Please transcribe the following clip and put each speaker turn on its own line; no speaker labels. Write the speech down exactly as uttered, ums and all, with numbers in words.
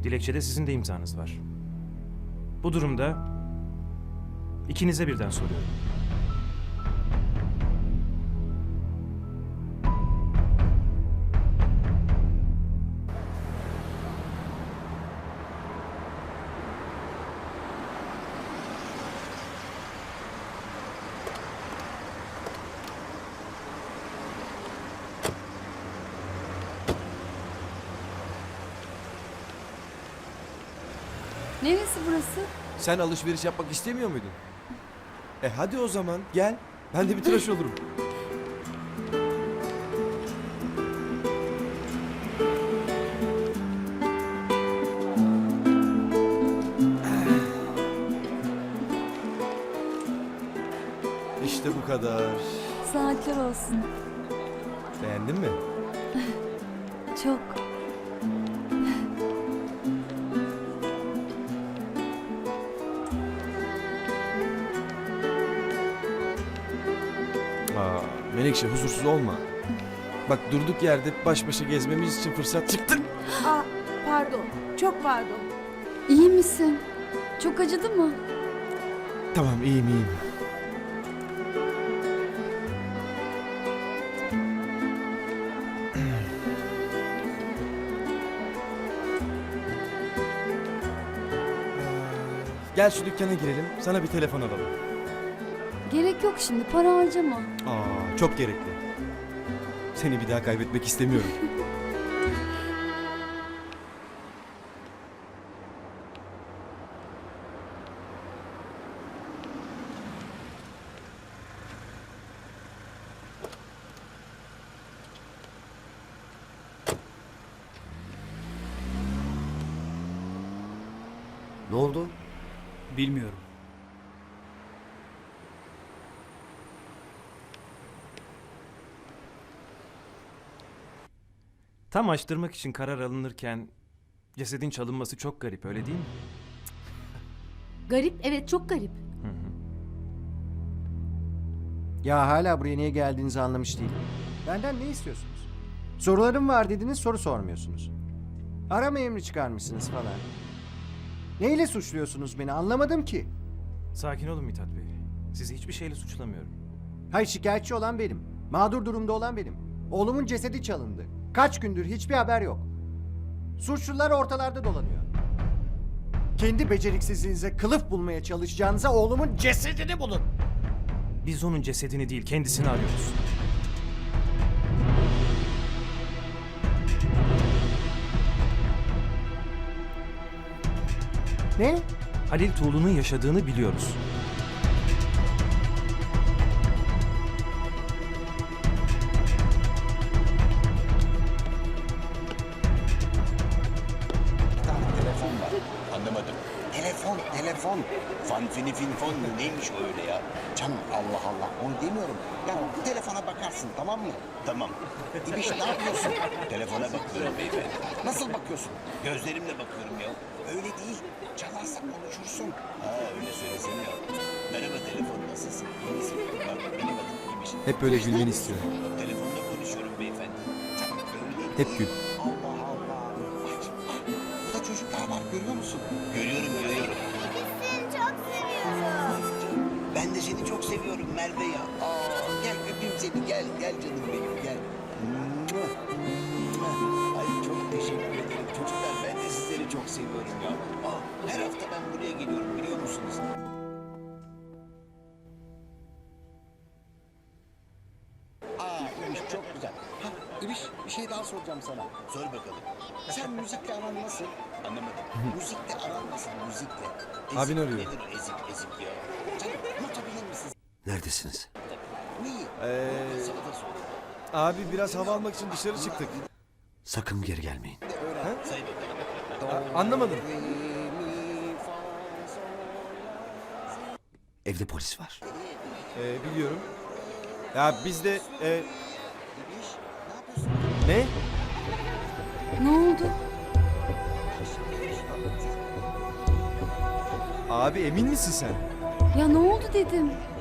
Dilekçede sizin de imzanız var. Bu durumda ikinize birden soruyorum.
Neresi burası?
Sen alışveriş yapmak istemiyor muydun? E hadi o zaman gel. Ben de bir tıraş olurum. İşte bu kadar.
Saatler olsun.
Beğendin mi?
Çok.
Aa, Menekşe huzursuz olma. Bak durduk yerde baş başa gezmemiz için fırsat çıktı.
Aa, pardon. Çok pardon.
İyi misin? Çok acıdı mı?
Tamam iyiyim iyiyim. Gel şu dükkana girelim. Sana bir telefon alalım.
Gerek yok şimdi. Para harcama.
Aa, çok gerekli. Seni bir daha kaybetmek istemiyorum.
Ne oldu?
Bilmiyorum.
Tam açtırmak için karar alınırken cesedin çalınması çok garip, öyle değil mi?
Garip, evet çok garip.
Ya hala buraya niye geldiğinizi anlamış değilim. Benden ne istiyorsunuz? Sorularım var dediniz, soru sormuyorsunuz. Arama emri çıkarmışsınız falan. Neyle suçluyorsunuz beni anlamadım ki.
Sakin olun Mithat Bey. Sizi hiçbir şeyle suçlamıyorum.
Hayır, şikayetçi olan benim. Mağdur durumda olan benim. Oğlumun cesedi çalındı. Kaç gündür hiçbir haber yok. Suçlular ortalarda dolanıyor. Kendi beceriksizliğinize kılıf bulmaya çalışacağınıza oğlumun cesedini bulun.
Biz onun cesedini değil, kendisini arıyoruz.
Ne?
Halil Tuğlu'nun yaşadığını biliyoruz.
Telefon var. Anlamadım. Telefon, telefon. Fan fini fin fon mu? Neymiş o öyle ya? Canım Allah Allah onu demiyorum. Ya bu telefona bakarsın tamam mı? Tamam. İbiş ne yapıyorsun? Telefona bakıyorum beyefendi. Nasıl bakıyorsun? Gözlerimle bakıyorum ya. Öyle değil. Çalarsa konuşursun. Ha öyle söylesene ya. Merhaba telefon nasılsın? İyi misin? Bak benim adım İbiş.
Hep böyle gülmeni istiyorum.
Telefonda konuşuyorum beyefendi. Canım öyle değil.
Hep gül.
Allah Allah. Bak şimdi bak. Burada çocuklar var görüyor musun? Görüyorum görüyorum.
Seni çok seviyorum.
Ben de seni çok seviyorum Merve ya. Aa, gel öpeyim seni gel gel canım benim gel. Mua, mua. Ay çok teşekkür ederim çocuklar ben de sizleri çok seviyorum ya. Aa, her hafta ben buraya geliyorum biliyor musunuz? Aa İbiş çok güzel. Ha İbiş bir şey daha soracağım sana. Sor bakalım. Sen müzikle aran nasıl? Anlamadım. Müzikle aran nasıl müzikle? Ezik,
Abin arıyor.
Nedir o ezik ezik ya? Canım unutabilir misin?
Neredesiniz?
Neyi?
Ee,
Sana da sor.
abi biraz hava almak için dışarı çıktık.
Sakın geri gelmeyin.
Öğren. Say bakalım.
A- anlamadım.
Re, mi, fa, sol, la, si.
Evde polis var.
Ee, biliyorum. Ya biz de... E,
İbiş, ne yapıyorsun?
ne?
Ne oldu?
Abi emin misin sen?
Ya ne oldu dedim.